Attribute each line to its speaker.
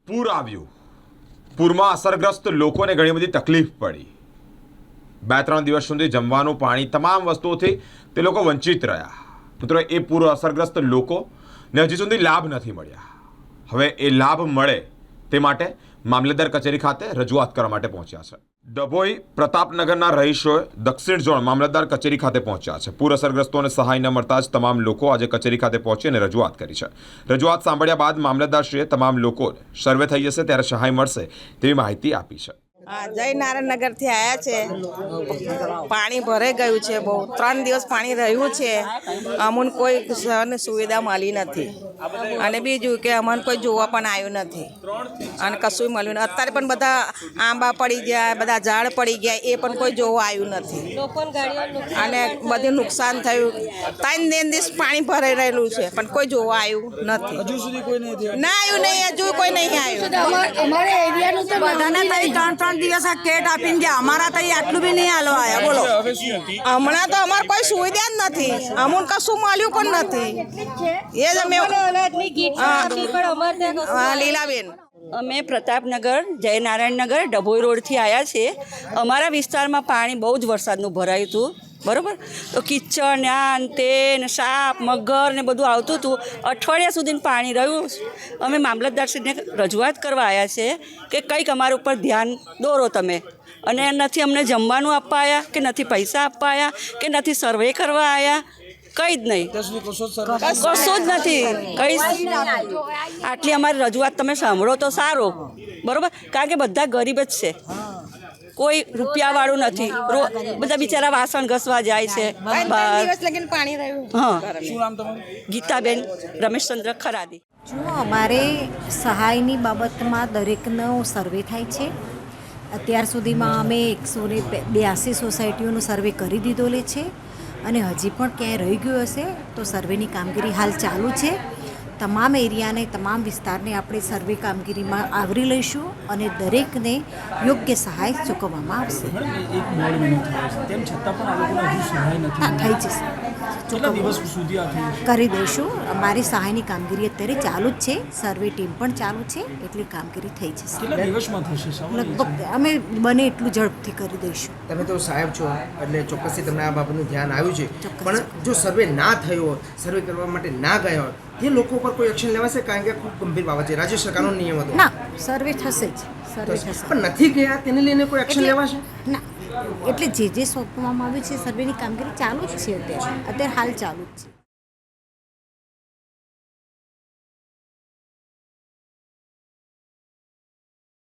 Speaker 1: પૂર આવ્યું, પૂરમાં અસરગ્રસ્ત લોકોને ઘણી બધી તકલીફ પડી। 2-3 દિવસ સુધી જમવાનું, પાણી, તમામ વસ્તુઓથી તે લોકો વંચિત રહ્યા। મિત્રો, એ પૂર અસરગ્રસ્ત લોકોને હજી સુધી લાભ નથી મળ્યા। હવે એ લાભ મળે તે માટે મામલતદાર કચેરી ખાતે રજૂઆત કરવા માટે પહોંચ્યા છે। ડભોઈ પ્રતાપનગરના રહીશોએ દક્ષિણ ઝોન મામલતદાર કચેરી ખાતે પહોંચ્યા છે। પૂર અસરગ્રસ્તોને સહાય ન મળતા જ તમામ લોકો આજે કચેરી ખાતે પહોંચી અને રજૂઆત કરી છે। રજૂઆત સાંભળ્યા બાદ મામલતદારશ્રીએ તમામ લોકો સર્વે થઈ જશે ત્યારે સહાય મળશે તેવી માહિતી આપી છે।
Speaker 2: જયનારાયણ નગરથી આવ્યા છે। પાણી ભરાઈ ગયું છે, બહુ 3 દિવસ પાણી રહ્યું છે। અમને કોઈ સુવિધા મળી નથી અને બીજું કે અમને કોઈ જોવા પણ આવ્યું નથી અને કશું મળ્યું નથી। અત્યારે પણ બધા આંબા પડી ગયા, બધા ઝાડ પડી ગયા, એ પણ કોઈ જોવા આવ્યું નથી અને બધું નુકસાન થયું। 3 દિવસ પાણી ભરાઈ રહેલું છે પણ કોઈ જોવા આવ્યું નથી। હજુ સુધી કોઈ નહીં આવ્યું, હજુ કોઈ નહીં આવ્યું।
Speaker 3: અમારે એરિયાનું તો બધાને તઈ 3 દિવસ આ કેટ આપીને ગયા, અમારા તઈ આટલું બી નહીં આલો આયા। બોલો,
Speaker 2: હમણાં તો અમારે કોઈ સુવિધા જ નથી, અમને કશું મળ્યું પણ નથી। એ જ અમે લીલાબેન,
Speaker 4: અમે પ્રતાપનગર, જયનારાયણનગર, ડભોઈ રોડથી આવ્યા છીએ। અમારા વિસ્તારમાં પાણી બહુ જ વરસાદનું ભરાયું હતું, બરાબર। તો કિચડ ને તે ને સાપ, મગર ને બધું આવતું હતું। અઠવાડિયા સુધી પાણી રહ્યું। અમે મામલતદારશ્રીને રજૂઆત કરવા આવ્યા છે કે કંઈક અમારા ઉપર ધ્યાન દોરો તમે, અને નથી અમને જમવાનું આપવા આવ્યા કે નથી પૈસા આપવા આવ્યા કે નથી સર્વે કરવા આવ્યા, કંઈ જ નહીં, કશું જ નથી, કંઈ। આટલી અમારી રજૂઆત તમે સાંભળો તો સારું, બરાબર, કારણ કે બધા ગરીબ જ છે, કોઈ રૂપિયાવાળું નથી। બધા બિચારા વાસણ ઘસવા જાય છે બહાર। હા, ગીતાબેન રમેશચંદ્ર ખરાદી।
Speaker 5: જો અમારે સહાયની બાબતમાં દરેકનો સર્વે થાય છે। અત્યાર સુધીમાં અમે 182 સોસાયટીઓનો સર્વે કરી દીધો છે અને હજી પણ ક્યાંય રહી ગયું હશે તો સર્વેની કામગીરી હાલ ચાલુ છે। તમામ એરિયાને, તમામ વિસ્તારને આપણે સર્વે કામગીરીમાં આવરી લઈશું અને દરેકને યોગ્ય સહાય ચૂકવવામાં આવશે। થઈ જશે, કરી દઈશું। અમારી સહાયની કામગીરી અત્યારે ચાલુ જ છે, સર્વે ટીમ પણ ચાલુ છે, એટલે કામગીરી થઈ જશે। લગભગ અમે બને એટલું ઝડપથી કરી દઈશું।
Speaker 6: તમે તો સાહેબ છો એટલે ચોક્કસથી તમને આ બાબતનું ધ્યાન આવ્યું છે, પણ જો સર્વે ના થયો હોય, સર્વે કરવા માટે ના ગયા હોય, એ લોકો પર કોઈ એક્શન લેવાશે? કારણ કે ખૂબ ગંભીર બાબત છે, રાજ્ય સરકારનો નિયમ હતો।
Speaker 5: ના, સર્વે થશે જ, સર્વે થશે,
Speaker 6: પણ નથી ગયા તેને લઈને કોઈ એક્શન લેવાશે?
Speaker 5: ના, એટલે જે સોંપવામાં આવ્યું છે સર્વેની કામગીરી ચાલુ જ છે, અત્યારે હાલ ચાલુ જ છે।